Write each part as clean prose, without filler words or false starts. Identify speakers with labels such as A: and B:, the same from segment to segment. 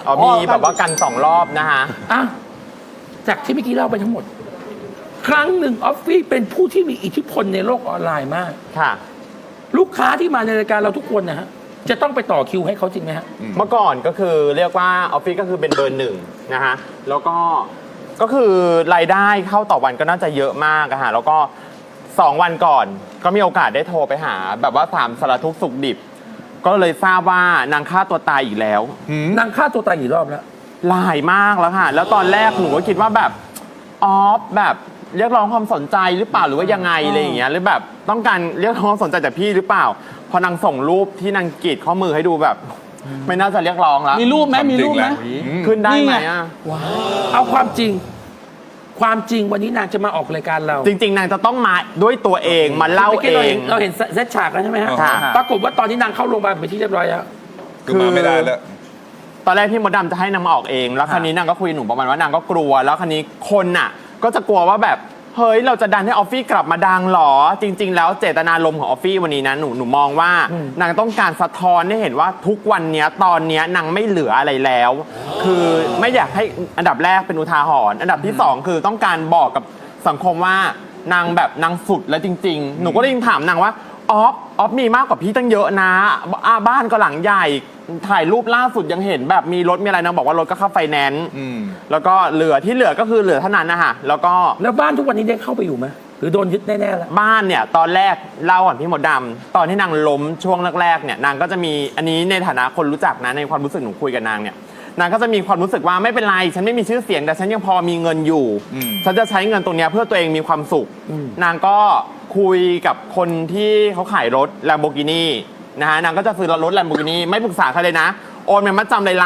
A: มีแบบว่ากัน2 รอบนะฮะ
B: อ่ะจากที่เมื่อกี้เล่าไปทั้งหมด ครั้งหนึ่งออฟฟี่เป็นผู้ที่มีอิทธิพลในโลกออนไลน์มาก
A: ค่ะ
B: ลูกค้าที่มาในรายการเราทุกคนนะฮะจะต้องไปต่อคิวให้เขาจริงไหมฮะ
A: เมื่อก่อนก็คือเรียกว่าออฟฟิศก็คือเป็นเบอร์ 1นะฮะแล้วก็คือรายได้เข้าต่อวันก็น่าจะเยอะมากอะฮะแล้วก็2 วันก่อนก็มีโอกาสได้โทรไปหาแบบว่าถามสารทุกข์สุขดิบก็เลยทราบว่านางฆ่าตัวตายอีกแล้ว
B: นางฆ่าตัวตายกี่รอบแล้ว
A: หลายมากแล้วค่ะแล้วตอนแรกหนูก็คิดว่าแบบออฟแบบเรียกร้องความสนใจหรือเปล่าหรือว่ายังไงอะไรอย่างเงี้ยหรือแบบต้องการเรียกร้องความสนใจจากพี่หรือเปล่าพอนางส่งรูปที่นางกรีดข้อมือให้ดูแบบไม่น่าจะเรียกร้องแล้ว
C: มีรูปไหมมีรูปไหม
A: ขึ้นได้ไหมอ่ะ
B: เอาความจริงวันนี้นางจะมาออกรายการเรา
A: จริงๆนางจะต้องมาด้วยตัวเองมาเล่าเอง
B: เราเห็นเซตฉากแล้วใช่ไหมฮะปรากฏว่าตอนนี้นางเข้าโรงพยาบาลไปที่เรียบร้อยแล้ว
D: คือมาไม่ได้แล้ว
A: ตอนแรกพี่มดดำจะให้นางมาออกเองแล้วคราวนี้นางก็คุยหนูประมาณว่านางก็กลัวแล้วคราวนี้คนน่ะก็จะกลัวว่าแบบเฮ้ยเราจะดันให้ออฟฟี่กลับมาดังหรอจริงๆแล้วเจตนารมณ์ของออฟฟี่วันนี้นะหนูมองว่านางต้องการสะท้อนให้เห็นว่าทุกวันนี้ตอนนี้นางไม่เหลืออะไรแล้วคือไม่อยากให้อันดับแรกเป็นอุทาหรณ์อันดับที่2คือต้องการบอกกับสังคมว่านางแบบนางสุดแล้วจริงๆหนูก็เลยถามนางว่าออฟมีมากกว่าพี่ตั้งเยอะนะบ้านก็หลังใหญ่ถ่ายรูปล่าสุดยังเห็นแบบมีรถมีอะไรนะบอกว่ารถก็เข้าไฟแนนซ์แล้วก็เหลือก็คือเหลือเท่านั้นนะฮะแล้ว
B: บ้านทุกวันนี้ได้เข้าไปอยู่ไหมหรือโดนยึดแน่ๆแล้ว
A: บ้านเนี่ยตอนแรกเล่าก่อนพี่มดดำตอนที่นางล้มช่วงแรกๆเนี่ยนางก็จะมีอันนี้ในฐานะคนรู้จักนะในความรู้สึกหนูคุยกับนางเนี่ยนางก็จะมีความรู้สึกว่าไม่เป็นไรฉันไม่มีชื่อเสียงแต่ฉันยังพอมีเงินอยู่ฉันจะใช้เงินตรงนี้เพื่อตัวเองมีความสุขนางก็คุยกับคนที่เขาขายรถ Lamborghini นะฮะนางก็จะซื้อรถ Lamborghini ไม่ปรึกษาใครเลยนะโอนเงินมัดจำเลย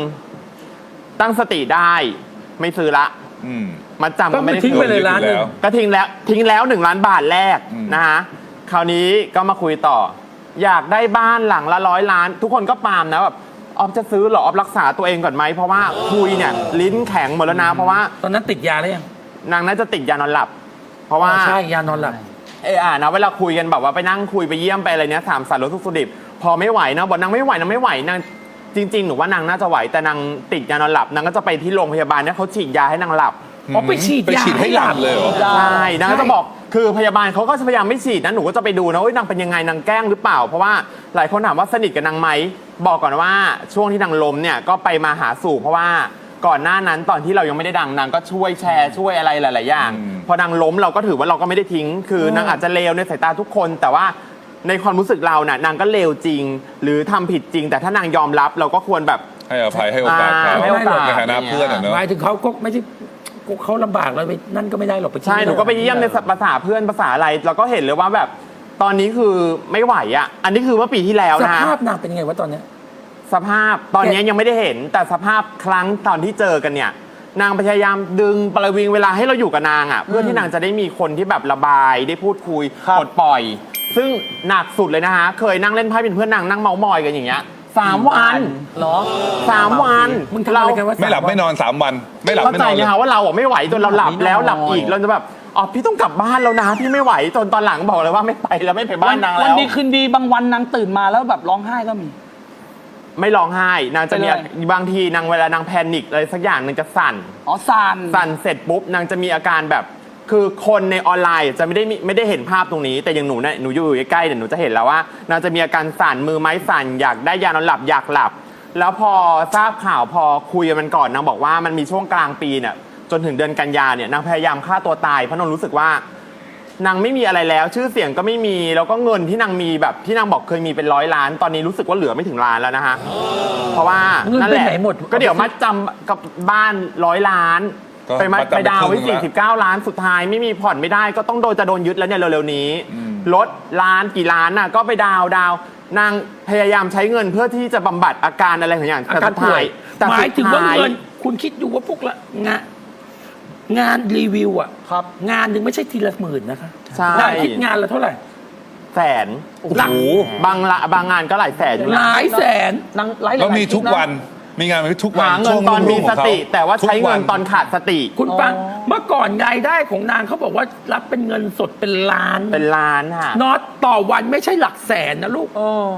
A: 1,000,000ตั้งสติได้ไม่ซื้อละมัดจำก็ไม่ได้
B: ทิ้งไปเลย1,000,000
A: ก็ทิ้งแล้ว1,000,000 บาทแรกนะฮะคราวนี้ก็มาคุยต่ออยากได้บ้านหลังละ100 ล้านทุกคนก็ปามนะแบบออฟจะซื้อหรอออฟรักษาตัวเองก่อนไหมเพราะว่าคุยเนี่ยลิ้นแข็งหมดแล้วนะเพราะว่า
B: ตอนนั้นติดยาแล้วยัง
A: นางน่าจะติดยานอนหลับเพราะว่า
B: ใช่ยานอนหลับ
A: นะเวลาคุยกันแบบว่าไปนั่งคุยไปเยี่ยมไปอะไรเนี้ยถามสารทุกข์สุขดิบพอไม่ไหวนะบอกนางไม่ไหวนางจริงๆหนูว่านางน่าจะไหวแต่นางติดยานอนหลับนางก็จะไปที่โรงพยาบาลเนี่ยเขาฉีดยาให้นางหลับ
B: ไปฉีด
D: ให้หลับเลยเหรอ
A: ใช่นางก็จะบอกคือพยาบาลเขาก็พยายามไม่ฉีดนะหนูก็จะไปดูนะว่านางเป็นยังไงนางแกล้งหรือเปล่าเพราะว่าหลายคนถามว่าสนิทกับนางไหมบอกก่อนว่าช่วงที่นางล้มเนี่ยก็ไปมาหาสู่เพราะว่าก่อนหน้านั้นตอนที่เรายังไม่ได้ดังนางก็ช่วยแชร์ช่วยอะไรหลายๆอย่างพอนางล้มเราก็ถือว่าเราก็ไม่ได้ทิ้งคือนางอาจจะเลวในสายตาทุกคนแต่ว่าในความรู้สึกเราน่ะนางก็เลวจริงหรือทำผิดจริงแต่ถ้านางยอมรับเราก็ควรแบบ
D: ให้อภัยให้โอกาสเขาในฐานะเพื่อนเนอะ
B: หมายถึงเขาก็ไม่ใช่เขาลำบากเลยนั่นก็ไม่ได้หรอก
A: ใช่หนูก็ไปเยี่ยมในภาษาเพื่อนภาษาอะไรเราก็เห็นเลยว่าแบบตอนนี้คือไม่ไหวอ่ะอันนี้คือเมื่อปีที่แล้วนะ
B: สภาพนางเป็นยังไงวะตอนนี้
A: สภาพตอนนี้ยังไม่ได้เห็นแต่สภาพครั้งตอนที่เจอกันเนี่ยนางพยายามดึงประวิงเวลาให้เราอยู่กับนางอ่ะเพื่อที่นางจะได้มีคนที่แบบระบายได้พูดคุยปลดปล่อยซึ่งหนักสุดเลยนะฮะเคยนั่งเล่นไพ่เป็นเพื่อนนางนั่งเมามอยกันอย่างเงี้ย3 วัน
B: เหรอ
A: 3 วัน
B: มึงทำอะไรกันวะ
D: ไม่หลับไม่นอน3 วันไม่หลับไม่นอน
A: เข้าใจไหมคะว่าเราไม่ไหวจนเราหลับแล้วหลับอีกเราจะแบบพี่ต้องกลับบ้านแล้วนะพี่ไม่ไหวจนตอนหลังบอกเลยว่าไม่ไปแล้วไม่ไปบ้านนางแล้ว
C: วันดีคืนดีบางวันนางตื่นมาแล้วแบบร้องไห้ก็มี
A: ไม่ร้องไห้นางจะมีบางทีนางเวลานางแพนิคอะไรสักอย่างนางจะสั่นสั่นเสร็จปุ๊บนางจะมีอาการแบบคือคนในออนไลน์จะไม่ได้เห็นภาพตรงนี้แต่อย่างหนูเนี่ยหนูอยู่ใกล้ๆเดี๋ยวหนูจะเห็นแล้วว่านางจะมีอาการสั่นมือไม้สั่นอยากได้ยานอนหลับอยากหลับแล้วพอทราบข่าวพอคุยกันมันก่อนนางบอกว่ามันมีช่วงกลางปีเนี่ยจนถึงเดือนกันยาเนี่ยนางพยายามฆ่าตัวตายเพราะนางรู้สึกว่านางไม่มีอะไรแล้วชื่อเสียงก็ไม่มีแล้วก็เงินที่นางมีแบบที่นางบอกเคยมีเป็น100 ล้านตอนนี้รู้สึกว่าเหลือไม่ถึงล้านแล้วนะฮะเพราะว่านั่นแหละก็เดี๋ยวมัดจำกับบ้าน100 ล้านไปดาวไว้49 ล้านสุดท้ายไม่มีผ่อนไม่ได้ก็ต้องจะโดนยึดแล้วเนี่ยเร็วๆนี้รถล้านกี่ล้านน่ะก็ไปดาวนางพยายามใช้เงินเพื่อที่จะบำบัดอาการอะไรอย่าง
B: อาการป่วยหมายถึงว่าเงินคุณคิดดูว่าพวกละงานรีวิวอ่ะงานหนึ่งไม่ใช่ทีละ10,000นะคะนางคิดงานละเท่าไหร่
A: แสนหลักบางงานก็หลายแสน
B: หลายแสน
D: แล้วมีทุกวันมีงานทุกวัน
A: หาเงินตอนมีสติแต่ว่าใช้เงินตอนขาดสติ
B: คุณฟังเมื่อก่อนรายได้ของนางเขาบอกว่ารับเป็นเงินสดเป็นล้าน
A: ค่ะ
B: น็อตต่อวันไม่ใช่หลักแสนนะลูก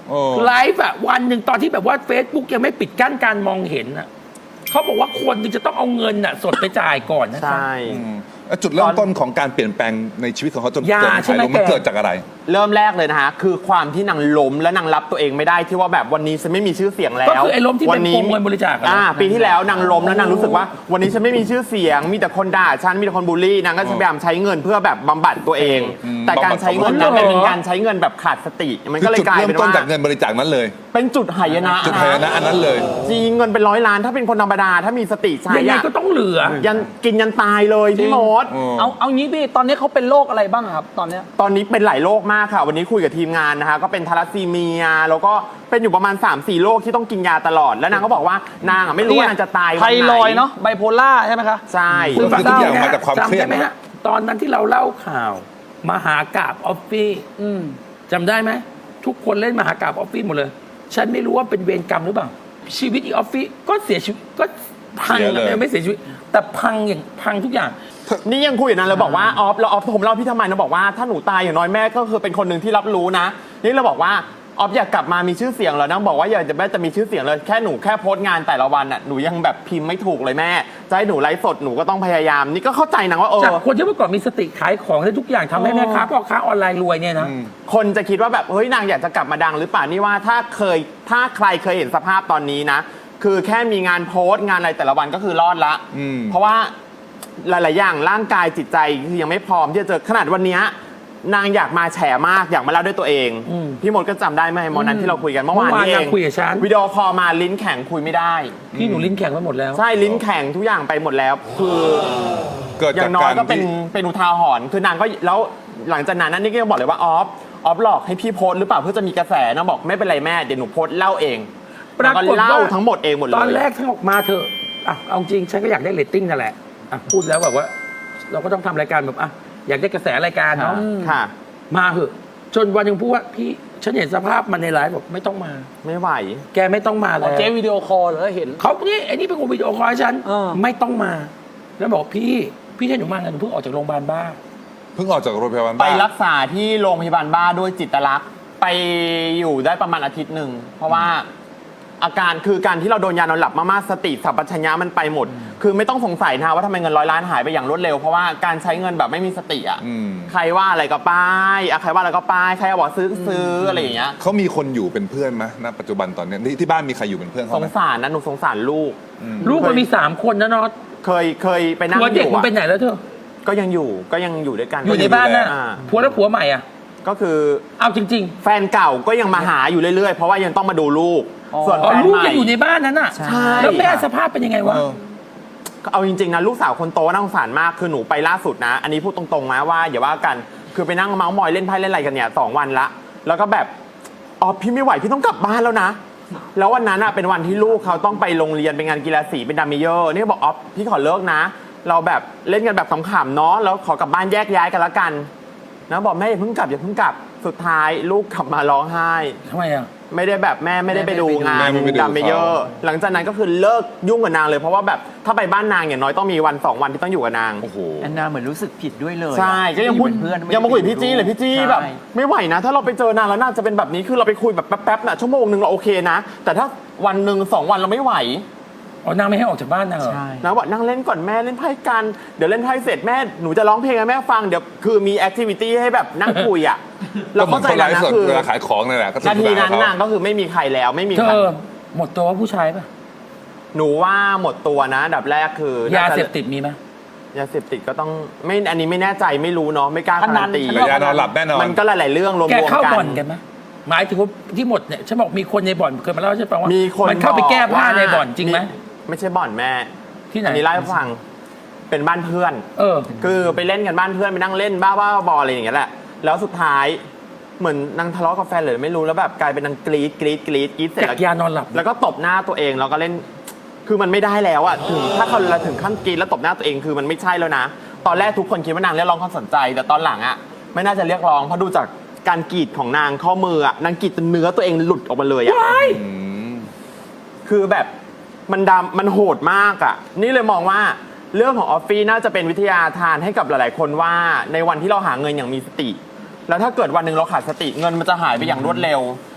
B: ไลฟ์อะวันหนึ่งตอนที่แบบว่า Facebook ยังไม่ปิดกั้นการมองเห็นอะเขาบอกว่าคนหนึงจะต้องเอาเงินอะสดไปจ่ายก่อนนะ
A: ใช่
D: แล้วจุดเริ่มต้นของการเปลี่ยนแปลงในชีวิตของเขาจน
B: ยา
D: เกิด
B: ใช่ไหม
D: มัน
B: แก
D: เกิดจากอะไร
A: เริ่มแรกเลยนะฮะคือความที่นางล้มและนางรับตัวเองไม่ได้ที่ว่าแบบวันนี้ฉันไม่มีชื่อเสียงแล้ว
B: ก็คือไอ้ล้มที่เป็น
A: วั
B: โกงเงินบริจาคอะ
A: ปีที่แล้วนางล้มแล้วนางรู้สึกว่าวันนี้ฉันไม่มีชื่อเสียง มีแต่คนด่าฉันมีแต่คนบูลลี่นางก็พยายามใช้เงินเพื่อแบบบำบัดตัวเอง แต่การใช้เงินนั้นเป็นการใช้เงินแบบขาดสติมัน
D: คื
A: ก็
D: อ
A: เลย
D: จุด
A: กลาย
D: เริ่
A: เป็
D: ม
A: น
D: ต้น
A: ว่า
D: จากเงินบริจาคนั้นเลย
A: เป็นจุดหายนะ
D: จุดหายนะอันนั้นเลย
A: จริงเงินเป็น100 ล้านถ้าเป็นคนธรรมดาถ้ามีสติใช้
B: ยังไง
A: อะ
B: ก็ต้องเหลือ
A: ยันกินยันตายเลยพี่มด
C: เอางี้พี่ตอนนี้เขาเป็นโรคอะไรบ้างครับตอนเนี้ย
A: ตอนนี้เป็นหลายโรคมากค่ะ วันนี้คุยกับทีมงานนะคะก็เป็นทาลัสซีเมีย แล้วก็เป็นอยู่ประมาณ 3-4 โรคที่ต้องกินยาตลอด แล้วนางก็บอกว่านางไม่รู้ว่านางจะตายวัน
C: ไท
A: ไหน
C: รอยด์เนาะไบโพล่าใช่ไหมคะ
A: ใช่
D: คือทุกอย่างมาจากความเครียด
B: จำได้ไหมฮะตอนนั้นที่เราเล่าข่าว มหากาพย์ออฟฟี่
C: อืม
B: จำได้ไหมทุกคนเล่นมหากาพย์ออฟฟี่หมดเลย ฉันไม่รู้ว่าเป็นเวรกรรมหรือเปล่า ชีวิตอีออฟฟี่ก็เสียชีวิตก็พัง
D: เสียเลย
B: ไม่เสียชีวิต แต่พังอย่างพังทุกอย่าง
A: นี่ยังคุยอยู่นะเราบอกว่าออฟผมเล่าพี่ทำไมนะบอกว่าถ้าหนูตายอย่างน้อยแม่ก็คือเป็นคนหนึ่งที่รับรู้นะ นี่เราบอกว่าออฟอยากกลับมามีชื่อเสียงแล้วนะบอกว่าอยากจะแม่จะมีชื่อเสียงเลยแค่หนูแค่โพสต์งานแต่ละวันอ่ะหนูยังแบบพิมพ์ไม่ถูกเลยแม่จะให้หนูไลฟ์สดหนูก็ต้องพยายาม นี่ก็เข้าใจนะว่า
B: จากคนที่เมื่อก่อนมีสติขายของได้ทุกอย่างทำให้แม่ค้าพ่อค้าออนไลน์รวยเนี่ยนะ
A: คนจะคิดว่าแบบเฮ้ยนางอยากจะกลับมาดังหรือเปล่านี่ว่าถ้าใครเคยเห็นสภาพตอนนี้นะ คือแค่มีงานโพสต์งานอะไรแต่ละวันก็คือรอดละ เพราะว่าหลายๆอย่างร่างกายจิตใจคือยังไม่พร้อมที่จะเจอขนาดวันเนี้ยนางอยากมาแฉมากอยากมาเล่าด้วยตัวเอง พี่มดก็จำได้ไหมมอนั้นที่เราคุยกันเมื่อวานนี้เอ
B: เมื่อวานนาง
A: ง
B: คุยกับฉัน
A: วิดีโอคอลมาลิ้นแข็งคุยไม่ได้
B: พี่หนูลิ้นแข็งไปหมดแล้ว
A: ใช่ลิ้นแข็งทุกอย่างไปหมดแล้ว คือ
D: เกิด
A: อ
D: จา
A: ย่าก งน้อย
D: การ
A: ก็เป็น
D: ที่
A: เป็นอุทาหรณ์คือนางก็แล้วหลังจากนั้นนี่ก็ยังบอกเลยว่าออฟหลอกให้พี่โพสต์หรือเปล่าเพื่อจะมีกระแสนะบอกไม่เป็นไรแม่เดี๋ยวหนูโพสต์เล่าเอง
B: ปรากฏ
A: แล้ว
B: ว่า
A: เล่าทั้งหมดเองหมดเลย
B: ตอนแรกทั้งออกมาเธอะอ่ะเอาจริงฉันก็อยากได้เรตติ้งนั่นแหละอ่ะพูดแล้วแบบว่า เราก็ต้องทำรายการแบบอ่ะอยากได้กระแสรายการเนาะ
A: ค่ะ
B: มาเหอะจนวันหนึงพูดว่าพี่ฉันเห็นสภาพมันในไลฟ์บอกไม่ต้องมา
A: ไม่ไหว
B: แกไม่ต้องมาแล้ว
C: เจ๊วิดีโอคอลเหรอเห็น
B: เขานี่ไอ้นี่เป็นคนวิดีโอคอลให้ฉัน
C: เออ
B: ไม่ต้องมา แล้วบอกพี่ให้หนูมาไงหนูเพิ่งออกจากโรงพยาบาลบ้า
D: เพิ่งออกจากโรงพยาบาล
A: ไป
D: บ้า
A: รักษาที่โรงพยาบาลบ้าด้วยจิตลักษณ์ไปอยู่ได้ประมาณอาทิตย์หนึ่งเพราะว่าอาการคือการที่เราโดนยานอนหลับมากๆสติสัมปชัญญะมันไปหมด คือไม่ต้องสงสัยนะว่าทำไมเงิน100 ล้านหายไปอย่างรวดเร็วเพราะว่าการใช้เงินแบบไม่มีสติอ่ะใครว่าอะไรก็ป้ายใครว่าอะไรก็ป้ายใครบอกซื้ออะไรอย่างเงี้ย
D: เขามีคนอยู่เป็นเพื่อนไหมณปัจจุบันตอนเนี้ยที่บ้านมีใครอยู่เป็นเพื่อน
A: ส
D: เขาไห
A: ง
D: ม
A: สารนะหนูสงสารลูก
B: ลูกมันมี3 คนนะเนาะ
A: เคยไปนั่ง
B: ผัว
A: อ
B: เด็ก
A: ยู่
B: มัน
A: อะ
B: ไปไหนแล้วเธอ
A: ก็ยังอยู่ด้วยกัน
B: อยู่ในบ้านน่ะ
A: อ่า
B: ผัวแล้วผัวใหม่อ่ะ
A: ก็คือ
B: เอาจริง
A: แฟนเก่าก็ยังมาหาอยู่เรื่อยๆ เพราะว่ายังต้องมาดูลูก ส่วน
B: ๆอ๋อ
A: แฟน
B: ลูก
A: ใหม่
B: ยังอยู่ในบ้านนั้นอ่ะ
A: ใช่
B: แล้วแม่สภาพเป็นยังไงวะ
D: เออ
A: เอาจริงๆนะลูกสาวคนโตน่าสงสารมากคือหนูไปล่าสุดนะ อันนี้พูดตรงๆนะว่าอย่าว่ากันคือไปนั่งเมาส์มอยเล่นไพ่เล่นอะไรกันเนี่ย2 วันละ แล้วก็แบบอ๋อพี่ไม่ไหวพี่ต้องกลับบ้านแล้วนะ แล้ววันนั้นอ่ะเป็นวันที่ลูกเขาต้องไปโรงเรียนเป็นงานกีฬาสีเป็นดัมเมเยอร์นี่บอกอ๋อพี่ขอเลิกนะ เราแบบเล่นกันแบบขำๆเนาะแล้วขอกลับบ้านแยกย้ายกันละกันนะบอกแม่อย่าเพิ่งกลับสุดท้ายลูกกลับมาร้องไห้
B: ทำไมอ่ะ
A: ไม่ได้แบบแม่ไม่ได้ไปดูงาน
D: แม่ไม่ไปดู
A: ดัมเมเยอร์หลังจากนั้นก็คือเลิกยุ่งกับนางเลยเพราะว่าแบบถ้าไปบ้านนางอย่างน้อยต้องมีวัน2 วันที่ต้องอยู่กับนาง
D: โอ้โห
E: แอนนาเหมือนรู้สึกผิดด้วยเลย
A: ใช่ก็ยังพูด
E: เป็นเพื่อน
A: ยังมาคุยกับพี่จี้เลยพี่จี้
E: ใช่
A: แบบไม่ไหวนะ ถ้าเราไปเจอนางแล้วน่าจะเป็นแบบนี้คือเราไปคุยแบบแป๊บๆน่ะชั่วโมงนึงเราโอเคนะ แต่ถ้าวันหนึ่ง2 วันเราไม่ไหว
B: อ๋อนางไม่ให้ออกจากบ้านนางเหรอ
E: ใช่
A: นะบอกนั่งเล่นก่อนแม่เล่นไพ่กันเดี๋ยวเล่นไพ่เสร็จแม่หนูจะร้องเพลงให้แม่ฟังเดี๋ยวคือมีแอคทิวิตี้ให้แบบนั่งคุยอ่ะ
D: ก็
A: เรา
D: เหมือ
A: เข้าน ใจ
D: คนไล
A: แล้ว
D: ฟ์
A: นะ
D: สด
A: คือ
D: เวลาขายของนี่นแหละก็สนุ
A: นาก
D: ส
A: ที
D: นาน
A: นั้น
D: กับ
A: นาง
D: เขา
A: ก็คือไม่มีใครแล้วไม่มี
B: เธ
A: ใคร
B: อหมดตัวว่าผู้ชายป่ะ
A: หนูว่าหมดตัวนะอันดับแรกคือย
B: าเสพติดมีไหม
A: ยาเสพติดก็ต้องไม่อันนี้ไม่แน่ใจไม่รู้เนาะไม่กล้าการันตี
C: พนัน
D: ระยะนอนหลับแน่นอน
A: มันก็หลาย ๆ เรื่องรวม
B: แก
A: ๆ
B: เข้า
A: กัน
B: บ่อนกันไหมหมายถึงว่าที่หมดเนี่ยฉันบอกมีคนในบ่อนเคยมาเล่าให้ฉันฟังว่า
A: มีคน
B: มันเข้าไปแก้ผ้าในบ่อนจริงไหม
A: ไม่ใช่บ่อนแม่
B: ที่ไหน
A: อันนี้เล่าให้ฟังเป็นบ้านเพื่อน
B: เออ
A: คือไปเล่นกันบ้านเพื่อนไปนั่งเล่นบ้าๆบอๆอะไรอย่างเงี้ยแหละแล้วสุดท้ายเหมือนนางทะเลาะกับแฟนเลยไม่รู้แล้วแบบกลายเป็นนางกรี๊ดเสร็จ
B: จากยานอนหลับ
A: แล้วก็ตบหน้าตัวเองแล้วก็เล่นคือมันไม่ได้แล้วอ่ะถึงถ้าเขาถึงขั้นกรี๊ดแล้วตบหน้าตัวเองคือมันไม่ใช่แล้วนะ ตอนแรกทุกคนคิดว่านางเรียกร้องความสนใจ แต่ตอนหลังอ่ะไม่น่าจะเรียกร้องเพราะดูจากการกรีดของนางข้อมืออ่ะนางกรีดจนเนื้อตัวเองหลุดออกมาเลยอ่ะ คือแบบมันดำมันโหดมากอ่ะนี่เลยมองว่าเรื่องของออฟฟี่น่าจะเป็นวิทยาทานให้กับหลาย ๆ คนว่าในวันที่เราหาเงินอย่างมีสติ แล้วถ้าเกิดวันหนึ่งเราขาดสติเงินมันจะหายไปอย่างรวดเร็ว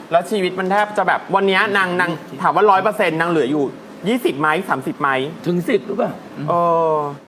A: แล้วชีวิตมันแทบจะแบบวันเนี้ยนางถามว่า100%นางเหลืออยู่20 ไหม30 ไหม
B: ถึง10หรือเปล่า
A: เออ